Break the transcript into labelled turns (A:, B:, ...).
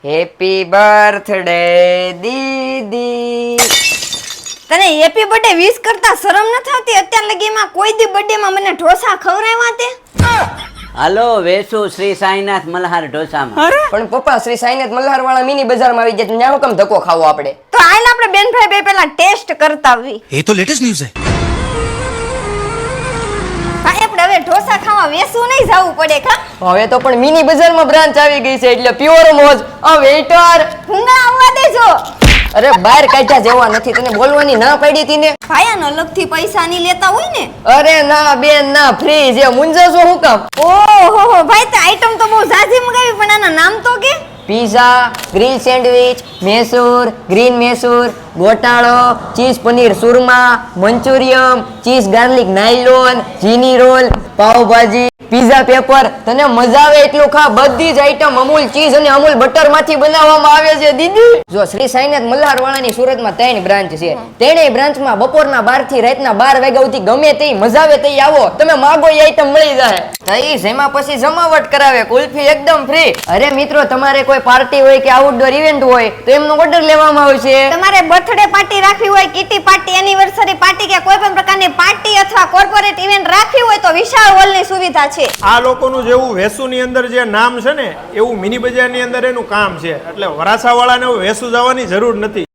A: Happy birthday દીદી.
B: તને happy birthday wish કરતા શરમ ન થતી? અત્યાર લગીમાં કોઈ દી બર્થડે માં મને ઢોસા ખવરાવ્યા તે?
C: હાલો વેસુ શ્રી સાઈનાથ મલ્હાર ઢોસામાં.
A: પણ પપ્પા શ્રી સાઈનાથ મલ્હાર વાળા મિની બજારમાં આવી જાય, ત્યાં હું કેમ ધક્કો ખાવો આપણે?
B: તો આઈને આપણે બેન ભાઈ બે પેલા ટેસ્ટ કરતા આવી.
D: ये तो लेटेस्ट न्यूज़ है।
B: ભાઈ આપણે હવે ઢોસા ખાવા વેસુ નહીં જવું પડે કા?
A: હવે તો પણ મિની બજારમાં બ્રાન્ચ આવી ગઈ છે એટલે પ્યોર મોજ. આ વેઇટર
B: ભૂંગળા આવવા દેજો.
A: અરે બહાર કાઢ્યા જેવા નથી, તને બોલવાની ના પડી હતી ને?
B: ભાઈ આનો અલગથી પૈસા નહીં લેતા હોય ને?
A: અરે ના બેન ના, ફ્રી છે. મુંજાશો હું કામ?
B: ઓહો ભાઈ તે આઈટમ તો બહુ ઝાઝી મંગાવી, પણ આના નામ તો કે?
A: Pizza, grill sandwich, Mysore, green Mysore, ગોટાળો, ચીઝ પનીર સુરમા, મંચુરિયમ, ચીઝ ગાર્લિક નાયલોન, જીની રોલ, પાવભાજી, પીઝા પેપર. તને મજા આવે એટલું ખા. બધી જ આઈટમ અમૂલ ચીઝ અને અમૂલ બટર માંથી બનાવવામાં આવે છે દીદી. જો શ્રી સાઈનાથ મલ્હાર વાળાની સુરતમાં 3 બ્રાન્ચ છે. ત્રણેય બ્રાન્ચમાં બપોરના 12 થી રાતના 12 વાગ્યા સુધી ગમે તે મજા આવે તે આવો, તમે માગો એ આઈટમ મળી જાય. તઈ જેમાં પછી જમાવટ કરાવે, કુલ્ફી એકદમ ફ્રી. અરે મિત્રો, તમારે કોઈ પાર્ટી હોય કે આઉટડોર ઇવેન્ટ હોય તો એમનો ઓર્ડર લેવામાં આવશે.
B: તમારે બર્થડે પાર્ટી રાખવી હોય, કિટી પાર્ટી, એનિવર્સરી પાર્ટી કે કોઈ પણ પ્રકારની પાર્ટી અથવા કોર્પોરેટ ઇવેન્ટ રાખવી હોય તો વિશાળ હોલની સુવિધા છે.
E: આ લોકોનું જેવું વેસુની અંદર જે નામ છે ને એવું મિની બજારની અંદર એનું કામ છે, એટલે વરાછાવાળાને વેસુ જવાની જરૂર નથી.